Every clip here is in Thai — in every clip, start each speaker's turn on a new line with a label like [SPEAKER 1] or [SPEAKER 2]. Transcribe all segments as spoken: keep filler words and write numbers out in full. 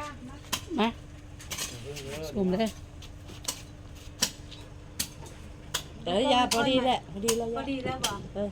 [SPEAKER 1] มาสุ่มเลยเดี๋ยวยาพอดีแหละพอดีแล้ว
[SPEAKER 2] พอดีแล้วบอก
[SPEAKER 1] เออ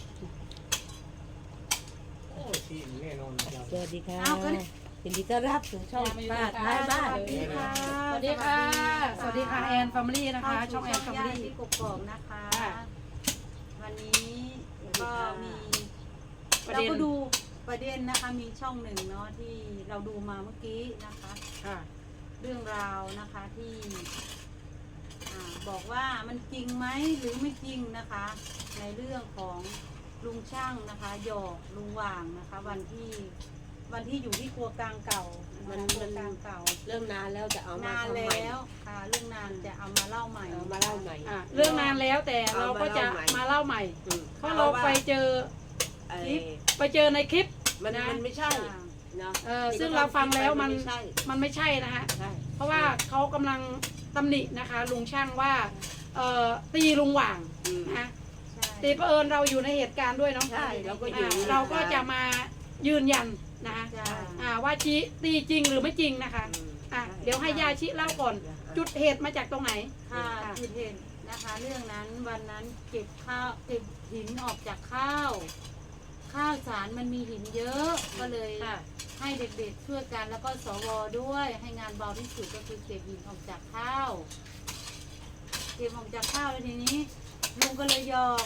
[SPEAKER 1] สวัสดีค่ะยินดีต้อนรับสู่ช่องป้าท้ายบ้าน
[SPEAKER 2] สวัสดีค่ะ
[SPEAKER 1] สวัสดีค่ะ สวัสดีค่ะแอนแฟมิลี่นะคะ ช่องแอนแฟมิลี่
[SPEAKER 2] ที่กกอกนะคะ วันนี้ก็มีเราก็ดูประเด็นนะคะมีช่องหนึ่งเนาะที่เราดูมาเมื่อกี้นะคะ
[SPEAKER 1] ค่ะ
[SPEAKER 2] เรื่องราวนะคะที่อ่าบอกว่ามันจริงไหมหรือไม่จริงนะคะ ในเรื่องของลุงช่างนะคะหยอกลุงหว่างนะคะ วันที่วันที่อยู่ที่ครัวกลางเก่ามันครัวกลางเก่า
[SPEAKER 3] เริ่มนานแล้วจะเอามาน
[SPEAKER 2] าน
[SPEAKER 3] ทำใหม่
[SPEAKER 2] แล้วค่ะเรื่องนานจะเอามาเล่าใหม่
[SPEAKER 3] เอามาเล่าใหม่
[SPEAKER 1] อ่ะเรื่องนานแล้วแต่เราก็จะมาเล่าใหม่
[SPEAKER 3] อืม
[SPEAKER 1] เพราะเราไปเจอ
[SPEAKER 3] ไอ้
[SPEAKER 1] คลิปไปเจอในคลิป
[SPEAKER 3] มัน
[SPEAKER 1] นะ
[SPEAKER 3] มันไม่ใช่
[SPEAKER 2] ค่ะ
[SPEAKER 3] เนาะ
[SPEAKER 1] เออซึ่งเราฟังแล้วมัน
[SPEAKER 3] ไม่ใช่
[SPEAKER 1] มันไม่ใช่นะฮะ
[SPEAKER 3] ใช่
[SPEAKER 1] เพราะว่าเขากำลังตำหนินะคะ ลุงช่างว่าเอ่อตีลุงหว่าง
[SPEAKER 3] อืม
[SPEAKER 1] นะ
[SPEAKER 2] ใช่
[SPEAKER 1] ตีเผอิญเราอยู่ในเหตุการณ์ด้วยเนาะ
[SPEAKER 3] ใช่เราก็อยู่
[SPEAKER 1] อ่าเราก็จะมายืนยันนะคะ
[SPEAKER 2] จ้า
[SPEAKER 1] อ่าว่าชีตีจริงหรือไม่จริงนะคะ
[SPEAKER 3] อืม
[SPEAKER 1] อ่ะเดี๋ยวให้ยาชิเล่าก่อน จุดเหตุมาจากตรงไหน
[SPEAKER 2] ค่ะคือเห็นนะคะ เรื่องนั้นวันนั้นเก็บข้าวเก็บหินออกจากข้าว ข้าวสารมันมีหินเยอะก็เลย
[SPEAKER 1] ค่ะ
[SPEAKER 2] ให้เด็กๆช่วยกันแล้วก็สวด้วย ให้งานเบาที่สุดก็คือเก็บหินออกจากข้าวเก็บออกจากข้าวแล้วทีนี้ลุงก็เลยหยอก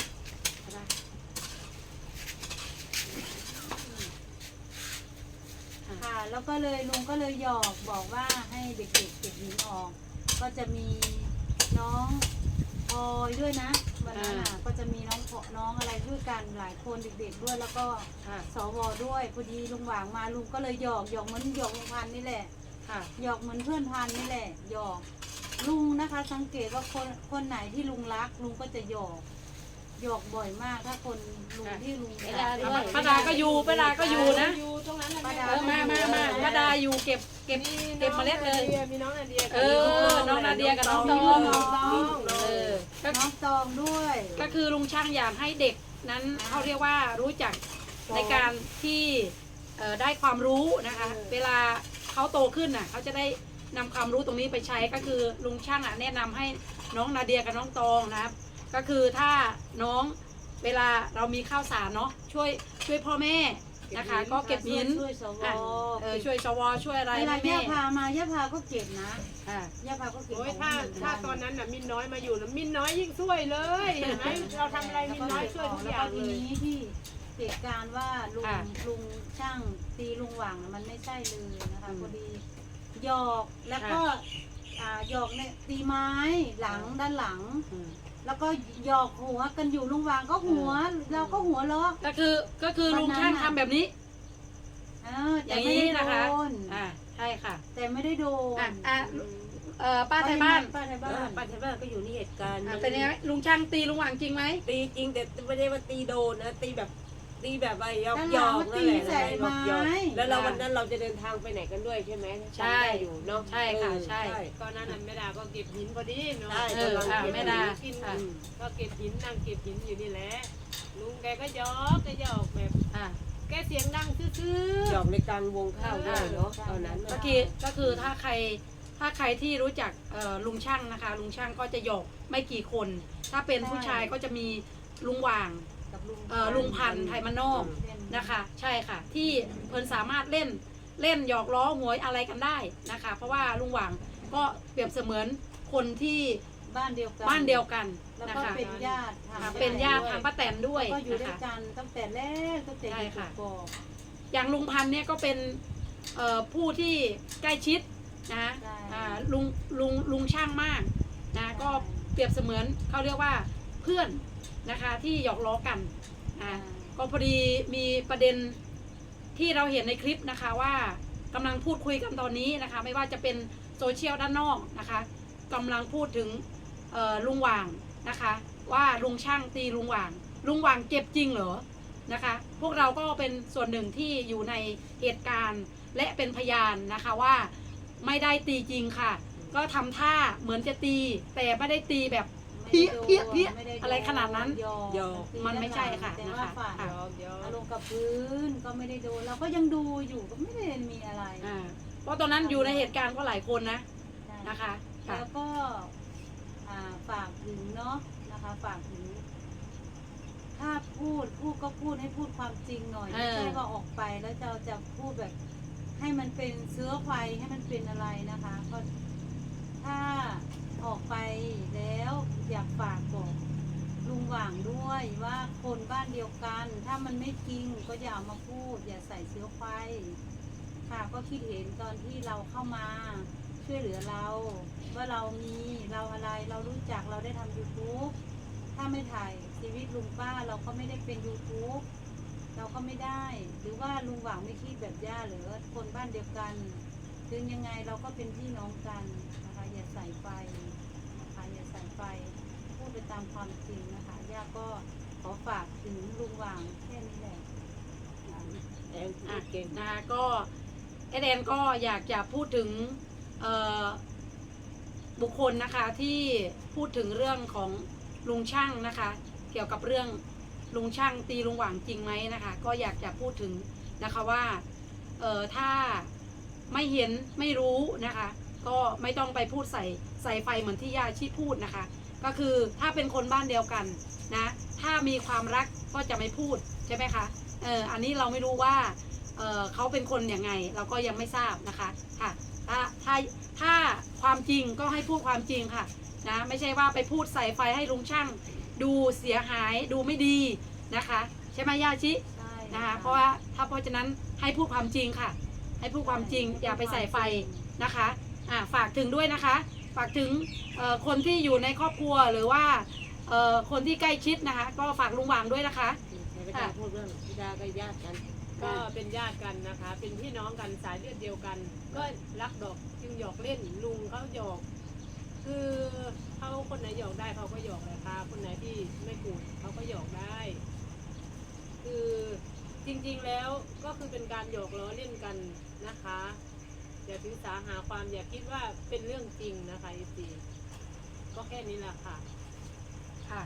[SPEAKER 2] ค่ะแล้วก็เลยลุงก็เลยหยอกบอกว่าให้เด็กๆเก็บหินออก ก็จะมีน้องพลอยด้วยนะวันนั้นอ่ะก็จะมีน้องพอน้องอะไรด้วยกันหลายคนเด็กๆด้วยแล้วก็
[SPEAKER 1] ค่ะ
[SPEAKER 2] สวด้วยพอดีลุงหวางมาลุงก็เลยหยอกหยอกเหมือนหยอกลุงพันธุ์นี่แหละ
[SPEAKER 1] ค่ะ
[SPEAKER 2] หยอกเหมือนเพื่อนพันธุ์นี่แหละหยอกลุงนะคะ สังเกตว่าคนคนไหนที่ลุงรักลุงก็จะหยอกหยอกบ่อยมากถ้าคนลุงที่ลุง
[SPEAKER 3] เวลาด้วย
[SPEAKER 1] ป้าดาก็อยู่ป้าดาก็อยู่นะ
[SPEAKER 4] อยู่ตรงนั้นนะ
[SPEAKER 2] ป้าดา
[SPEAKER 1] เออมามามาป้าดาอยู่เก็บเก็บเก็บเมล็ดเลย
[SPEAKER 4] มีน้องนาเดีย
[SPEAKER 1] เออ น้องนาเดียกับน้องตอง เออก็
[SPEAKER 2] น้องตองด้วย
[SPEAKER 1] ก็คือลุงช่างอยากให้เด็กนั้นเขาเรียกว่ารู้จักในการที่เอ่อได้ความรู้นะคะ เวลาเขาโตขึ้นน่ะเขาจะได้นำความรู้ตรงนี้ไปใช้ก็คือลุงช่างอ่ะแนะนำให้น้องนาเดียกับน้องตองนะครับ ก็คือถ้าน้องเวลาเรามีข้าวสารเนาะช่วยช่วยพ่อแม่นะคะ ก็เก็บหิน
[SPEAKER 2] ช่วยสว
[SPEAKER 1] อ่ะเออช่วยสวช่วยอะไร
[SPEAKER 2] เวลา
[SPEAKER 1] ให้
[SPEAKER 2] ย่า
[SPEAKER 1] แม่
[SPEAKER 2] พามาย่าพาก็เก็บนะ
[SPEAKER 1] อ่า
[SPEAKER 2] ย่าพาก็เก็บ
[SPEAKER 4] โอ้ย
[SPEAKER 2] ของ
[SPEAKER 4] ถ้า
[SPEAKER 2] เหมื
[SPEAKER 4] ถ้า
[SPEAKER 2] กั
[SPEAKER 4] ตอนนั้นน่ะมินน้อยมาอยู่นะมินน้อยยิ่งช่วยเลยเห็นไหมเราทำอะไรมินน้อยช่วยทุกอย่าง
[SPEAKER 2] แล้วก็
[SPEAKER 4] เล
[SPEAKER 2] ที
[SPEAKER 4] ย
[SPEAKER 2] นี้ที่เหตุการณ์ว่าลุงลุงช่างตีลุงหว่างน่ะมันไม่ใช่เลยนะคะพอดีหยอกแล้วก็อ่าหยอกเนี่ยตีไม้หลังด้านหลัง
[SPEAKER 1] อืม
[SPEAKER 2] แล้วก็หยอกหัวกันอยู่ลุงหว่างก็หัว เราก็หัวเราะ
[SPEAKER 1] ก็คือก็คือลุงช่างทำแบบนี้
[SPEAKER 2] เออ
[SPEAKER 1] อ
[SPEAKER 2] แต่
[SPEAKER 1] ย่าง
[SPEAKER 2] ไม่
[SPEAKER 1] นี้
[SPEAKER 2] ได้
[SPEAKER 1] นะคะ
[SPEAKER 2] โดน
[SPEAKER 1] อ่าใช่ค่ะ
[SPEAKER 2] แต่ไม่ได้โดน
[SPEAKER 1] อ่ะอ่ะเอ่อป้าไทยบ้าน
[SPEAKER 2] ป้าไทย
[SPEAKER 3] เอ
[SPEAKER 2] บ้า
[SPEAKER 3] อน ปัจจุบันก็อยู่ในเหตุการณ์
[SPEAKER 1] อ่ะเป็นยังไงลุงช่างตีลุงหว่างจริงไหม
[SPEAKER 3] ตีจริงแต่ไม่ได้ว่าตีโดนนะตีแบบตีแบบว่าหยอกหย
[SPEAKER 2] ด้านหลั
[SPEAKER 3] อง ก
[SPEAKER 2] มัน
[SPEAKER 3] นั่
[SPEAKER 2] ตี
[SPEAKER 3] นแหละ
[SPEAKER 2] ใส่
[SPEAKER 3] หยอกหยอก
[SPEAKER 2] ไม้
[SPEAKER 3] แล้วเราวันนั้นเราจะเดินทางไปไหนกันด้วยใช่ไหม
[SPEAKER 1] ใช่
[SPEAKER 3] จำได้อยู่เนาะ
[SPEAKER 1] ใช่ค่ะ
[SPEAKER 3] เออ
[SPEAKER 1] ใช่
[SPEAKER 4] ตอนนั้นน่ะแม่ดาก็เก็บหินพอดีเนาะ
[SPEAKER 3] ใช่
[SPEAKER 1] เอออ่ะแม่ดา
[SPEAKER 4] กิน
[SPEAKER 1] ค่ะ
[SPEAKER 4] ก็เก็บหินนั่งเก็บหินอยู่นี่แหละลุงแกก็หยอกก็หยอกแบบ
[SPEAKER 1] อ่ะ
[SPEAKER 4] แกเสียงดังซื่อ
[SPEAKER 3] หยอกในกลางวงข้าวด้วยเนาะตอนนั้น
[SPEAKER 1] ก็
[SPEAKER 3] น่ะ
[SPEAKER 1] คือก็คือถ้าใครถ้าใครที่รู้จักเอ่อลุงช่างนะคะ ลุงช่างก็จะหยอกไม่กี่คน ถ้าเป็นผู้ชายก็จะมีลุงหว่าง
[SPEAKER 2] กับลุง
[SPEAKER 1] เอ่อลุงพันธุ์ไทยมานอกนะคะ ใช่ค่ะ ที่เพิ่นสามารถเล่นเล่นหยอกล้อหวยอะไรกันได้นะคะ เพราะว่าลุงหว่างก็เปรียบเสมือนคนที่
[SPEAKER 2] บ้านเดียวกัน
[SPEAKER 1] บ้านเดียวกัน
[SPEAKER 2] แล้ว
[SPEAKER 1] นะ
[SPEAKER 2] ก็
[SPEAKER 1] คะ
[SPEAKER 2] เป็นญาติ
[SPEAKER 1] ค่ะ
[SPEAKER 2] ทาง
[SPEAKER 1] เป็นญาติทางป้าแตนด้วย
[SPEAKER 2] ก็อยู่
[SPEAKER 1] นะ
[SPEAKER 2] ด้วย
[SPEAKER 1] คะ
[SPEAKER 2] กันตั้งแต่แรกตั้งแต่
[SPEAKER 1] ใช่
[SPEAKER 2] อยู่
[SPEAKER 1] ค่ะ
[SPEAKER 2] กอก
[SPEAKER 1] อย่างลุงพันธุ์เนี่ยก็เป็นเอ่อผู้ที่ใกล้ชิดนะอ่าลุงลุงลุงช่างมากนะก็เปรียบเสมือนเขาเรียกว่าเพื่อนนะคะที่หยอกล้อกันนะก็พอดีมีประเด็นที่เราเห็นในคลิปนะคะว่ากำลังพูดคุยกันตอนนี้นะคะ ไม่ว่าจะเป็นโซเชียลด้านนอกนะคะกำลังพูดถึงเอ่อลุงหว่างนะคะ ว่าลุงช่างตีลุงหว่าง ลุงหว่างเจ็บจริงเหรอนะคะ พวกเราก็เป็นส่วนหนึ่งที่อยู่ในเหตุการณ์และเป็นพยานนะคะว่าไม่ได้ตีจริงค่ะ ก็ทำท่าเหมือนจะตี แต่ไม่ได้ตีแบบ เพี้ยเพี้ยเพี้ยอะไรขนาดนั้น
[SPEAKER 2] หยอก
[SPEAKER 1] มันไม่ใช่ค่ะ
[SPEAKER 2] แต่
[SPEAKER 1] นะ
[SPEAKER 2] ว่า
[SPEAKER 1] คะ
[SPEAKER 2] ฝ่าย
[SPEAKER 1] ค่ะ
[SPEAKER 4] ๆหยอกหยอก
[SPEAKER 2] อารมณ์กับพื้นก็ไม่ได้โดนเราก็ยังดูอยู่ก็ไม่ได้มีอะไร
[SPEAKER 1] อ่าราะตอนนั้นอยู่ในเหตุการณ์ก็หลายคนนะ
[SPEAKER 2] ใช่
[SPEAKER 1] นะคะค่ะ
[SPEAKER 2] แล้วก็อ่าฝากถึงเนาะนะคะฝากถึง ถ้าพูดพูดก็พูดให้พูดความจริงหน่อย
[SPEAKER 1] เออ
[SPEAKER 2] ไม่ใช่ว่าออกไปแล้วจะจะพูดแบบให้มันเป็นเชื้อไฟให้มันเป็นอะไรนะคะก็ถ้าออกไปแล้วอยากฝากบอกลุงหว่างด้วยว่าคนบ้านเดียวกัน ถ้ามันไม่จริงก็อย่าเอามาพูด อย่าใส่เชื้อไฟค่ะก็คิดเห็นตอนที่เราเข้ามาช่วยเหลือเรา ว่าเรามีเราอะไรเรารู้จักเราได้ทำ ยูทูบ ถ้าไม่ถ่ายชีวิตลุงป้าเราก็ไม่ได้เป็น ยูทูบ เราก็ไม่ได้ หรือว่าลุงหว่างไม่คิดแบบย่าหรือคนบ้านเดียวกันถึงยังไงเราก็เป็นพี่น้องกันนะคะอย่าใส่ไฟนะคะอย่าใส่ไฟพูดไปตามความจริงนะคะย่าก็ขอฝากถึงลุงหว่างแค่นี้แหละ
[SPEAKER 3] แอนพู
[SPEAKER 1] อ่ะ
[SPEAKER 3] ดเก่ง
[SPEAKER 1] นะคะก็เอเดนก็อยากจะพูดถึงเอ่อบุคคลนะคะที่พูดถึงเรื่องของลุงช่างนะคะ เกี่ยวกับเรื่องลุงช่างตีลุงหว่างจริงไหมนะคะ ก็อยากจะพูดถึงนะคะว่าเอ่อถ้าไม่เห็นไม่รู้นะคะ ก็ไม่ต้องไปพูดใส่ใส่ไฟเหมือนที่ย่าชีพูดนะคะ ก็คือถ้าเป็นคนบ้านเดียวกันนะถ้ามีความรักก็จะไม่พูดใช่ไหมคะเอออันนี้เราไม่รู้ว่าเออเขาเป็นคนยังไงเราก็ยังไม่ทราบนะคะค่ะถ้าถ้าถ้าความจริงก็ให้พูดความจริงค่ะนะไม่ใช่ว่าไปพูดใส่ไฟให้ลุงช่างดูเสียหายดูไม่ดีนะคะใช่ไหมย่าชิ
[SPEAKER 2] ใช่
[SPEAKER 1] นะคะเพราะว่าถ้าเพราะฉะนั้นให้พูดความจริงค่ะ ให้พูดความจริงอย่าไปใส่ไฟนะคะอ่าฝากถึงด้วยนะคะ ฝากถึงเอ่อคนที่อยู่ในครอบครัวหรือว่าเอ่อคนที่ใกล้ชิดนะคะ ก็ฝากลุงหว่างด้วยนะคะ
[SPEAKER 3] ไม่ได้พูดเรื่องพิดากับญาติกัน
[SPEAKER 4] ก็เป็นญาติกันนะคะ เป็นพี่น้องกันสายเลือดเดียวกัน ก็รักดอกจึงหยอกเล่นลุงเขาหยอก คือเขาคนไหนหยอกได้เขาก็หยอกเลยค่ะคนไหนที่ไม่กูดเขาก็หยอกได้ คือจริงๆแล้วก็คือเป็นการหยอกล้อเล่นกันนะคะอย่าถือสาหาความอย่าคิดว่าเป็นเรื่องจริงนะคะอีซีก็แค่นี้แหละค่ะ
[SPEAKER 1] ค่ะ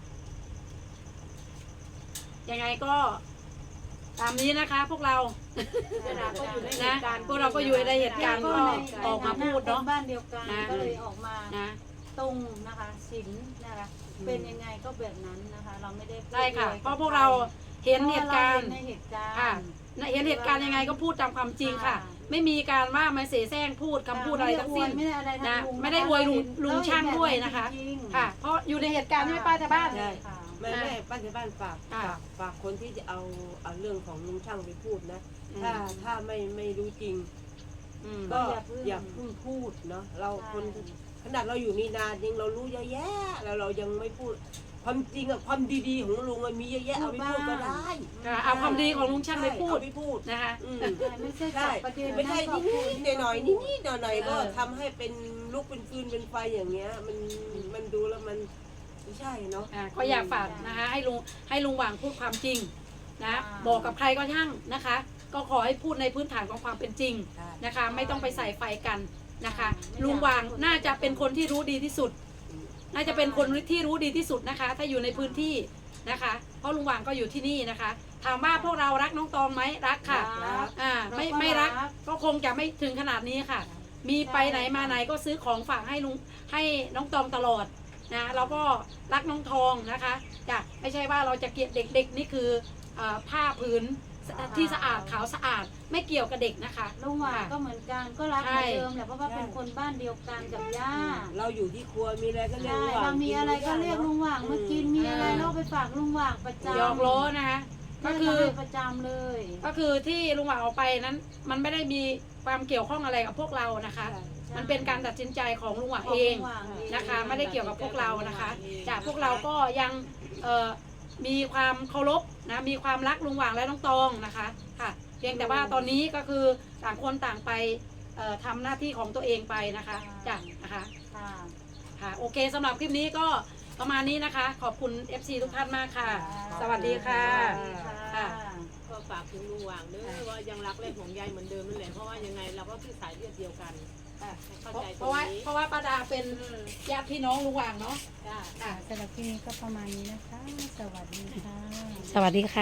[SPEAKER 1] ยังไงก็ตามนี้นะคะ พวกเรา
[SPEAKER 4] เวลาก็อยู่ในเห
[SPEAKER 1] นะ
[SPEAKER 4] ตุการณ์
[SPEAKER 1] พวกเราก็อยู่ในเหตุการณ์ก็ออกมาพูดเนาะ
[SPEAKER 2] คบ้านเดียวกัน
[SPEAKER 1] นะ
[SPEAKER 2] ก็เลยออกมา
[SPEAKER 1] นะ
[SPEAKER 2] ตรงนะคะสินนะคะเป็นยังไงก็แบบนั้นนะคะ เราไม่ได้พูด
[SPEAKER 1] ได้ค่ะ
[SPEAKER 2] อวย
[SPEAKER 1] เพราะพวกเราเห็นเหตุการณ์
[SPEAKER 2] เพะเในเหตุการณ์
[SPEAKER 1] ค่ะเห็นเหตุการณ์ยังไงก็พูดตามความจริงค่ะ
[SPEAKER 2] ค่ะ
[SPEAKER 1] ไม่มีการว่ามาเสแสร้งพูดคำพูดอะไรทั้งสิ้น
[SPEAKER 2] ไม่ได้อวยไม่ได้อะไรทาง
[SPEAKER 1] นะ
[SPEAKER 2] ลุง
[SPEAKER 1] ไม่ได้อวยลุงลุงช่างด้วยนะคะ
[SPEAKER 2] จริงๆ
[SPEAKER 1] ค่ะ เพราะอยู่ในเหตุการณ์ใช่ไหมป้าชาวบ้าน
[SPEAKER 2] ใช่ค่ะ
[SPEAKER 3] แม่แม่ป้าที่บ้านฝาก
[SPEAKER 1] ค่ะ
[SPEAKER 3] ฝากฝากคนที่จะเอาเอาเรื่องของลุงช่างไปพูดนะ
[SPEAKER 1] อืม
[SPEAKER 3] ถ้าถ้าไม่ไม่รู้จริง
[SPEAKER 1] อืม
[SPEAKER 3] ก็
[SPEAKER 2] อย่าเพิ่ง
[SPEAKER 3] อย่าเพิ่งพูดเนาะเรา
[SPEAKER 2] ใช่
[SPEAKER 3] คนขนาดเราอยู่นี่นานจริงเรารู้เยอะแยะแล้วเรายังไม่พูดความจริงอะความดีๆของลุงมันมีเยอะแยะเอาไปพูดก็ได้
[SPEAKER 1] ค่ะเอาความดีของลุงช่างไปพูด
[SPEAKER 3] เอาไปพูด
[SPEAKER 1] นะคะ
[SPEAKER 3] อืม
[SPEAKER 2] ใช่ไม่ใช่จั
[SPEAKER 3] ใช่
[SPEAKER 2] บประเด็น
[SPEAKER 3] ไม่ใช่
[SPEAKER 2] ก็
[SPEAKER 3] นิ
[SPEAKER 2] พู
[SPEAKER 3] ดๆหน่อยๆนิดๆหน่อยๆก็
[SPEAKER 1] เออ
[SPEAKER 3] ทำให้เป็นลุกเป็นฟืนเป็นไฟอย่างเงี้ย มันมันดูแล้วมันไม่ใช่เนาะ
[SPEAKER 1] อ่าก็อยากฝากนะคะให้ลุงให้ลุงหว่างพูดความจริงนะ
[SPEAKER 2] อ่า
[SPEAKER 1] บอกกับใครก็ช่างนะคะ ก็ขอให้พูดในพื้นฐานของความเป็นจริงนะคะ ไม่ต้องไปใส่ไฟกันนะคะ ลุงหว่างน่าจะเป็นคนที่รู้ดีที่สุด น่าจะเป็นคนที่รู้ดีที่สุดนะคะ ถ้าอยู่ในพื้นที่นะคะ เพราะลุงหว่างก็อยู่ที่นี่นะคะ ถามว่าพวกเรารักน้องตองไหมรักค่ะ
[SPEAKER 2] รัก
[SPEAKER 1] อ่าไม่ไม่รักก็คงจะไม่ถึงขนาดนี้ค่ะ มีไปไหนมาไหนก็ซื้อของฝากให้ลุงให้น้องตองตลอดนะเราก็รักน้องทองนะคะจ้ะไม่ใช่ว่าเราจะเกลียดเด็กๆนี่คือเอ่อผ้าผืนที่สะอาดขาวสะอาดไม่เกี่ยวกับเด็กนะคะ
[SPEAKER 2] ลุงหว่างก็เหมือนกันก็รักเหมือนเดิมแหละเพราะว่า
[SPEAKER 3] ใช่
[SPEAKER 2] เป็นคนบ้านเดียวกันกับย่า
[SPEAKER 3] เราอยู่ที่ครัวมีอะไรก็เรียก
[SPEAKER 2] ใช่
[SPEAKER 3] ลุงหว่
[SPEAKER 2] เรา
[SPEAKER 3] ง
[SPEAKER 2] มีอะไรก็เรียกลุงหว่างมากินมีอะไรเราไปฝากลุงหว่างประจำ
[SPEAKER 1] หยอกล้อนะคะก็คือ
[SPEAKER 2] ให้ประจำเลย
[SPEAKER 1] ก็คือที่ลุงหว่างเอาไปนั้น มันไม่ได้มีความเกี่ยวข้องอะไรกับพวกเรานะคะ มันเป็นการตัดสินใจของลุงหว่างเองนะคะ ไม่ได้เกี่ยวกับพวกเรานะคะจากพวกเราก็ยังเอ่อมีความเคารพนะมีความรักลุงหว่างและน้องตองนะคะค่ะเพียงแต่ว่าตอนนี้ก็คือต่างคนต่างไปเอ่อทำหน้าที่ของตัวเองไปนะคะจ้ะนะคะ
[SPEAKER 2] ค่ะ
[SPEAKER 1] ค่ะโอเคสำหรับคลิปนี้ก็ประมาณนี้นะคะ ขอบคุณ เอฟ ซี ทุกท่านมากค่ะ สวัสดีค่ะ
[SPEAKER 2] สวัสดีค่ะ
[SPEAKER 1] ค่ะ
[SPEAKER 4] ก็ฝากถึงลุงหว่างเด้อว่ายังรักและห่วงใยเหมือนเดิมนั่นแหละเพราะว่ายังไงเราก็คือสายเลือดเดียวกันให้เข้า
[SPEAKER 1] เพราะ
[SPEAKER 4] ใจ
[SPEAKER 1] เพ
[SPEAKER 4] ตร
[SPEAKER 1] ราะ
[SPEAKER 4] ง
[SPEAKER 1] ว่า
[SPEAKER 4] นี้
[SPEAKER 1] เพราะว่าป้าดาเป็นญาติพี่น้องลุงหว่างเนาะ
[SPEAKER 4] จ้า
[SPEAKER 1] ค่ะ
[SPEAKER 2] สำหรับคลิปนี้ก็ประมาณนี้นะคะ สวัสดีค่ะ
[SPEAKER 1] สวัสดีค่ะ